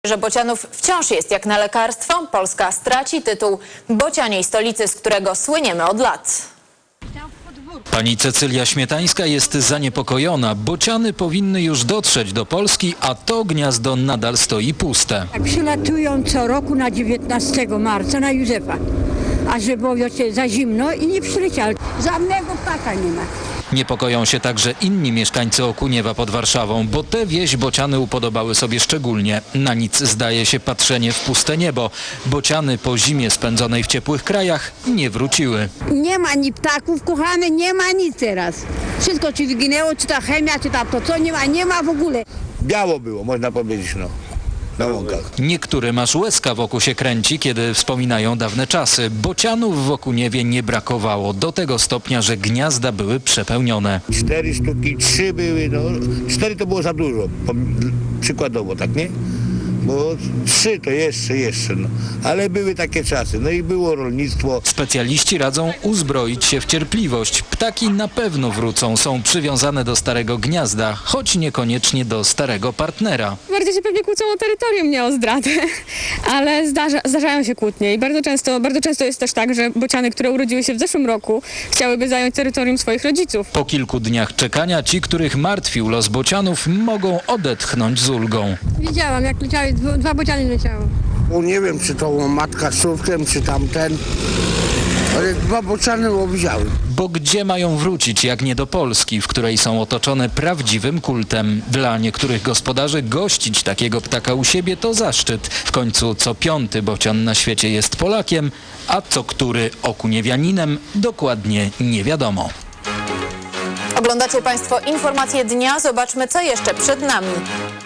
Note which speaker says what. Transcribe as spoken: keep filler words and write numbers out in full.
Speaker 1: Że Bocianów wciąż jest jak na lekarstwo. Polska straci tytuł bocianiej stolicy, z którego słyniemy od lat.
Speaker 2: Pani Cecylia Śmietańska jest zaniepokojona. Bociany powinny już dotrzeć do Polski, a to gniazdo nadal stoi puste.
Speaker 3: Przylatują co roku na dziewiętnastego marca na Józefa, a że było wiecie, za zimno i nie przyleciały. Żadnego ptaka nie ma.
Speaker 2: Niepokoją się także inni mieszkańcy Okuniewa pod Warszawą, bo tę wieś bociany upodobały sobie szczególnie. Na nic zdaje się patrzenie w puste niebo. Bociany po zimie spędzonej w ciepłych krajach nie wróciły.
Speaker 3: Nie ma ni ptaków, kochane, nie ma nic teraz. Wszystko czy wyginęło, czy ta chemia, czy ta to co, nie ma, nie ma w ogóle.
Speaker 4: Biało było, można powiedzieć, no, na łąkach.
Speaker 2: Niektórym aż łezka wokół się kręci, kiedy wspominają dawne czasy. Bocianów w Okuniewie nie brakowało, do tego stopnia, że gniazda były przepełnione.
Speaker 4: Cztery sztuki, trzy były, no, cztery to było za dużo, przykładowo, tak, nie? Bo trzy to jeszcze, jeszcze, no. Ale były takie czasy, no i było rolnictwo.
Speaker 2: Specjaliści radzą uzbroić się w cierpliwość. Ptaki na pewno wrócą, są przywiązane do starego gniazda, choć niekoniecznie do starego partnera.
Speaker 5: Bardziej się pewnie kłócą o terytorium, nie o zdradę, ale zdarza, zdarzają się kłótnie i bardzo często, bardzo często jest też tak, że bociany, które urodziły się w zeszłym roku, chciałyby zająć terytorium swoich rodziców.
Speaker 2: Po kilku dniach czekania ci, których martwił los bocianów, mogą odetchnąć z ulgą.
Speaker 3: Widziałam, jak leciały, dwa, dwa bociany leciały.
Speaker 6: Bo nie wiem, czy to matka z córkiem, czy tamten, ale dwa bociany widziałem.
Speaker 2: Bo gdzie mają wrócić, jak nie do Polski, w której są otoczone prawdziwym kultem? Dla niektórych gospodarzy gościć takiego ptaka u siebie to zaszczyt. W końcu co piąty bocian na świecie jest Polakiem, a co który okuniewianinem dokładnie nie wiadomo.
Speaker 1: Oglądacie Państwo informacje dnia. Zobaczmy, co jeszcze przed nami.